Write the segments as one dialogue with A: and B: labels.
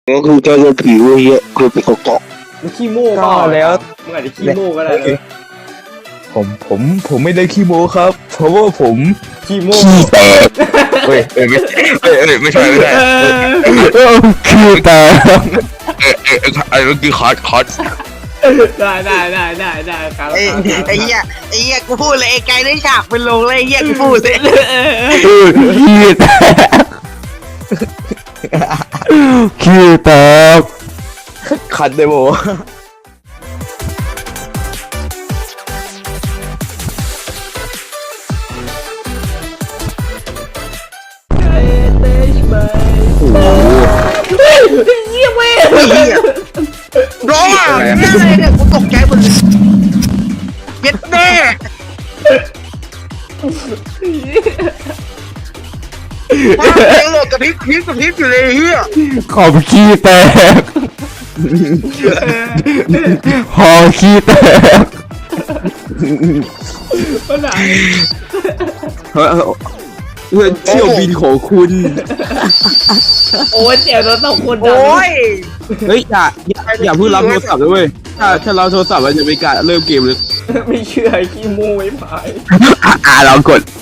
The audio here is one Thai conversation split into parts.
A: ก็คือเจอผีเว้ยคือเป็นเกาะ
B: มันขี้โม่เปล่าแล้วมึงอาจจะขี้โม่ก็ได้เลย
C: ผมไม่ได้ขี้โม้ครับ เพราะว่าผม
B: ขี้โม่
A: ขี้แตก
C: เฮ้ยไม่ใช่ไม่ได้
A: ขี้แตก
C: ไอ้เมื่อกี้คอร์ส
B: ได้ครับ
D: ไอ้เหี้ยกูพูดเลยไอ้ไกลได้ฉากเป็นลงเลยไอ้เหี้ยกูพูดเลย
A: ขี้แตกขี้แตก
C: คันเดโม
B: เยี่ยมเว้ย
D: ไอ้เหี้ยร้องอ่ะเนี่ยอะไรเนี่ยกูตกใจหมดเลยเย็ดแม่ว่าเพลงโหลดกระพริบอยู่เลยไอ้เหี้ย
A: ขอบขี้แตกหอขี้แตก
B: ปัญหา
C: เพื่อนเที่ยวบินของคุณ
B: โอ้ยเสียวเราสองคนดัง
D: โอ้ย
C: เฮ้ยอย่าเพิ่งรับโทรศัพท์ด้วยถ้าเราโทรศัพท์มันจะเป็นการเริ่มเกมเลย
B: ไม่เชื่อขี้โม่ไม่พาย
A: เรากด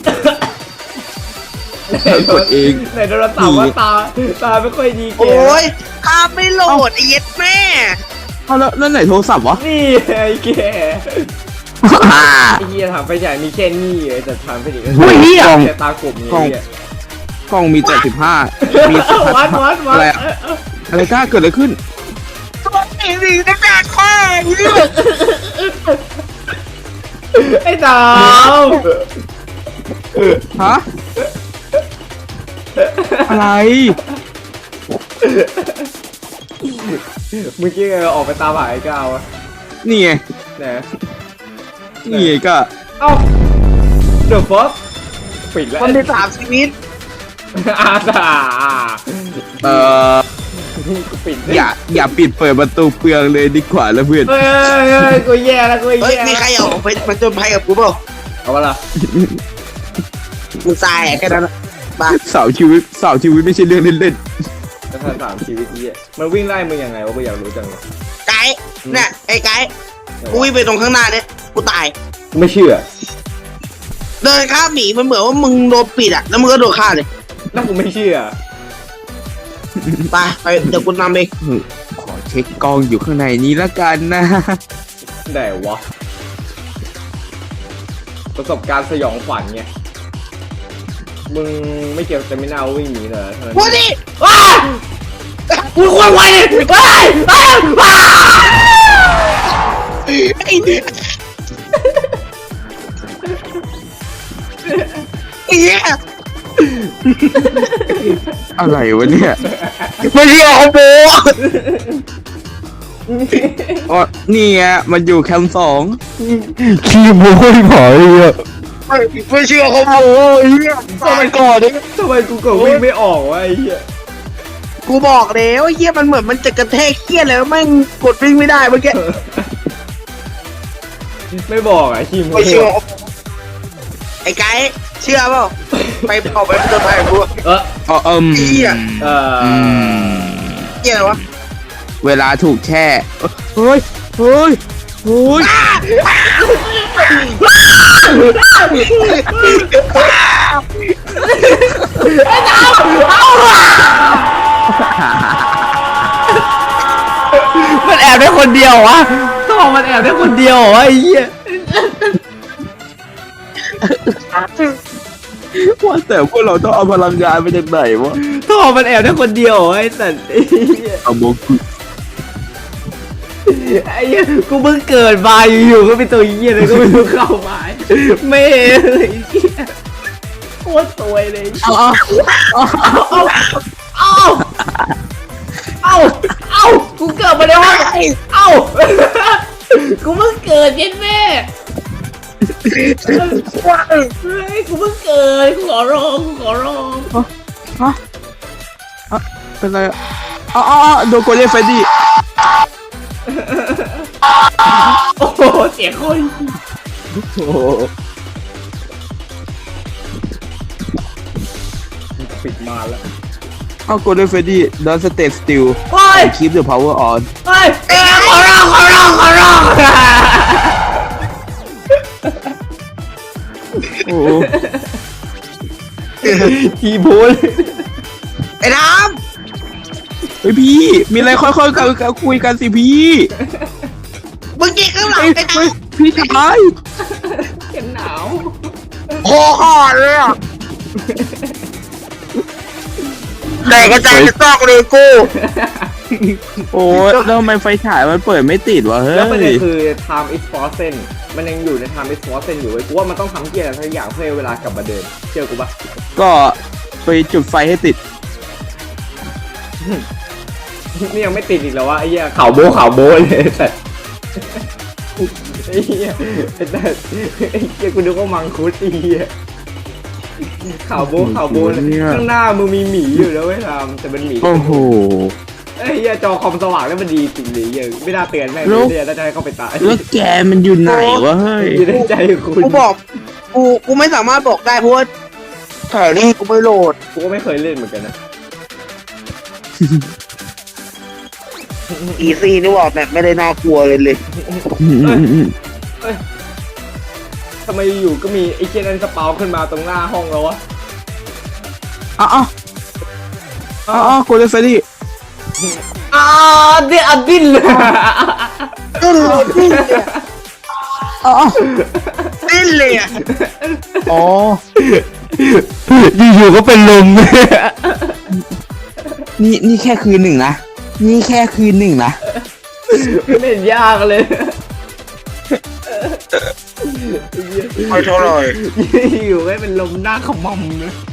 C: กดเอง
B: ในโทรศัพท์ว่าตาไม่ค่อยดีเก
D: โอ้
B: ม
D: ยภาพไม่โหลดไอ้เย็ดแม่
C: แล้วไหนโทรศัพท์วะ
B: นี่ไอ้แกไอ้เหี้ยถามไปใหญ่มีแค่นี้เลยแต่ถามไปดิ
A: เฮ้ยเหี้ย
B: แต่ตากลุ่มนี้เนี่ย
C: กล้องมีแต่15มี
B: วัด
C: อะไรอะอะไรกล้าเกิดอะไรขึ้น
D: ไอ้นี่ตั้งแต่ข้อไอ้เหี้ย
B: ไอ้ดาว
C: ฮะอะไร
B: เมื่อกี้ไงออกไปตามหาไอ้ก้าวอะ
C: นี่ไง
B: นะ
C: นี่ไงก็
B: เอ้าเดอะฟอสปิดแล้ว
D: คนที่สามชีวิต
B: อาตา
C: เอ่อ
B: กูปิด
C: อย่าปิดเปิดประตูเปลืองเลยดีกว่าแล้วเพื่อน
B: เฮ้ยกูแย่แล้วกู
D: เฮ้ย
B: แย่
D: มีใครเอาไปมาจนภัยกับกูเปล่า
B: เอาไปละ
D: กูตายแค่นั้นบ้า
C: สาวชีวิตไม่ใช่เรื่องเล่น
B: กระทำ3 ชีวิตนี้มันวิ่งไล่มึงยังไงวะกูอยากรู้จังเลย
D: ไกด์เนี่ยไอ้ไกด์กูวิ่งไปตรงข้างหน้าเนี่ยกูตาย
B: กูไม่เชื่อ
D: เดินข้ามหมีมันเหมือนว่ามึงโดนปิดอ่ะแล้วมึงก็โดนฆ่าเลย
B: แล้วกูไม่เชื่อ
D: ไปเดี๋ยวกูนำเอง
C: ๆขอเช็คกล้องอยู่ข้างในนี้ละกันนะ
B: ได้วะประสบการณ์สยองขวัญไงมึงไม่เกี่ยวจะไม่น่าวิ่งหนีเหรอเท่านั้น
D: พูดดิ
B: ว้ากูควรไวเลยว้ายว้า
D: ไอ้เนี่ยไอ้เหี้ย
C: อะไรวะเนี่ย
D: ไม่ใช่เอาโบ
C: อ๋อนี่ไงมันอยู่แคมป์2
A: ขี้โม้ยผอยอ่ะ
D: ไม่เชื่อเขาโบไอ้เหี้ยทำไมก่อนดิ
B: ทำไมกูกดวิ่งไม่ออกวะไอ้เหี้ย
D: กูบอกแล้วไอ้เหี้ยมันเหมือนมันจะกระแทกเหี้ยแล้วแม่งกดวิ่งไม่ได้เมื่อกี้
B: ไม่บอกอ่ะขี้โม้
D: ไม่เชื่อไอ้ไกด์เชื่อเปล่าไปเผาไปจนภัยกับกู
B: เออ
C: อ๋อ
D: เหี้ย
B: เออ
D: เหี้ยอะไรวะ
C: เวลาถูกแช่เฮ้ยเฮ้ยเฮ้ย
B: มันแอบได้คนเดียววะต้องมันแอบได้คนเดียวเหรอไอ้เหี้ย
C: ว่าแต่พวกเราต้องเอาพลังงานมาจากไหนวะ
B: ท่อมันแอบได้คนเดียวเหรอไอ้สัตว์ไอ้เหี้ย
C: เอาโมกุ
B: ไอ้เหี้ยกูเพิ่งเกิดมาอยู่ๆก็เป็นตัวเหี้ยเลยก็ไม่รู้เข้ามาไม่เลยไอ้เหี้ยโคตรสวยเลย
C: เอา
B: เอากูเกิดมาในห้องเอากูเพิ่งเกิดเย็นแม่เฮ้ยกูเพิ่งเกิดกูขอร้อง
C: เป็นไรอ๋อโดนโกเล่เฟดดี้
B: โอ้โหเสียงคน
C: โอ้โห
B: ปิดมาแล้ว
C: เอาโกลเด้นเฟรดดี้ don't stay still
B: โอ้ย
C: keep the power on
B: เฮ้ยขอร้องขอร้องขอร้อง
C: โอ้
B: ทีโพล
D: ไอ้น้
C: เฮ้ยพี่ มีอะไรค่อยๆกันคุยกันสิพี่
D: ำมึงยิงข้างหลัง
C: เฮ้ย
D: ไอ้น้
C: เฮ้ยพี่ชาย
B: เห็นหนาว
D: ำคอขาดเลยอ่ะแต่กระจายจะซอกเลยกู
C: โอ้ยแล้วทำไมไฟฉายมันเปิดไม่ติดวะเฮ้
B: แล้วประเด็น
C: ย
B: คือ time is frozen มันยังอยู่ใน time is frozen อยู่เว้ยกูว่ามันต้องทำเกียร์อะไรสักอย่างเพื่อให้เวลากลับมาเดินเชื่อกูปะ
C: ก็ไปจุดไฟให้ติด
B: นี่ยังไม่ติดอีกแล้ววะไอ้เหี้ยข่าวโบเลยแต่ไอ้เหี้ยแต่ไอ้เหี้ยกูนึกว่ามังคุดไอ้เหี้ยข่าวโบเลยข้างหน้ามึงมีหมีอยู่แล้วเว้ยทำแต่เป็นหมี
C: โอ้โห
B: ไอ้เหี้ยจอคอมสว่างแล้วมันดีจริงเลยยังไม่น่าเตือนแม่ง
C: แล้ว
B: เนี่ยน่าจะให้เข้าไปตาย
C: แล้วแกมันอยู่ไหนวะเฮ้ย
B: อยู่ในใจคุณ
D: กูบอกกูไม่สามารถบอกได้เพราะว่าแถวนี้กูไม่โหลด
B: กูก็ไม่เคยเล่นเหมือนกันนะ
D: อีซีนี่บอกแบบไม่ได้น่ากลัวเลย
B: ทำไมอยู่ก็มีไอ้เจนันสปาวขึ้นมาตรงหน้าห้องแล้ววะ
C: อ๋อโกลเด้นเฟรดดี้
B: เดี๋ยวดิ้นเลย
D: ดิ้นเลยดิ้นเลย
C: อ๋อ
D: ดิ้นเลยอ่ะ
C: อ๋อ
A: อยู่ๆก็เป็นลม
C: นี่แค่คืนหนึ่งนะ นี่แค่คืนหนึ่งนะ
B: ไม่เห็นยากเลย
D: ไม่เท่าไหร่
B: อยู่ไม่เป็นลมหน้าขมำเลย